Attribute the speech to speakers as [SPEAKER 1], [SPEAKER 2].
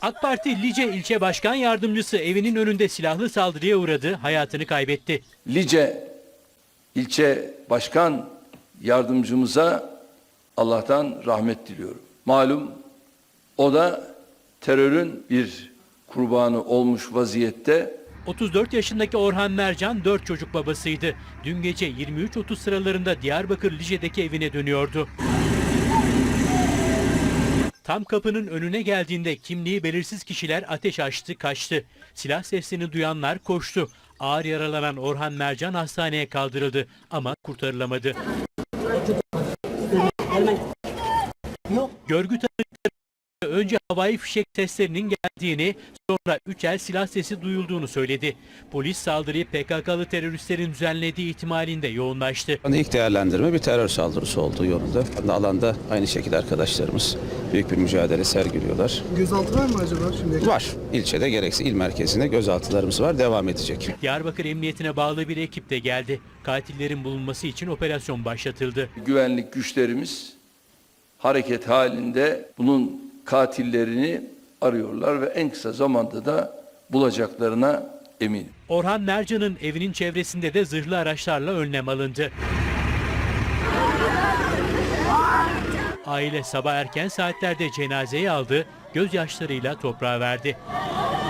[SPEAKER 1] AK Parti Lice İlçe Başkan Yardımcısı evinin önünde silahlı saldırıya uğradı, hayatını kaybetti.
[SPEAKER 2] Lice İlçe Başkan Yardımcımıza Allah'tan rahmet diliyorum. Malum o da terörün bir kurbanı olmuş vaziyette.
[SPEAKER 1] 34 yaşındaki Orhan Mercan 4 çocuk babasıydı. Dün gece 23.30 sıralarında Diyarbakır Lice'deki evine dönüyordu. Tam kapının önüne geldiğinde kimliği belirsiz kişiler ateş açtı, kaçtı. Silah sesini duyanlar koştu. Ağır yaralanan Orhan Mercan hastaneye kaldırıldı ama kurtarılamadı. Görgü tanıkları önce havai fişek seslerinin geldiğini, sonra 3 el silah sesi duyulduğunu söyledi. Polis saldırıyı PKK'lı teröristlerin düzenlediği ihtimalinde yoğunlaştı.
[SPEAKER 3] İlk değerlendirme bir terör saldırısı olduğu yolunda. Alanda aynı şekilde arkadaşlarımız büyük bir mücadele sergiliyorlar.
[SPEAKER 4] Gözaltı var mı acaba şimdi?
[SPEAKER 3] Var. İlçede gerekse il merkezinde gözaltılarımız var. Devam edecek.
[SPEAKER 1] Diyarbakır Emniyetine bağlı bir ekip de geldi. Katillerin bulunması için operasyon başlatıldı.
[SPEAKER 2] Güvenlik güçlerimiz hareket halinde bunun katillerini arıyorlar ve en kısa zamanda da bulacaklarına eminim.
[SPEAKER 1] Orhan Mercan'ın evinin çevresinde de zırhlı araçlarla önlem alındı. Aile sabah erken saatlerde cenazeyi aldı, gözyaşlarıyla toprağa verdi.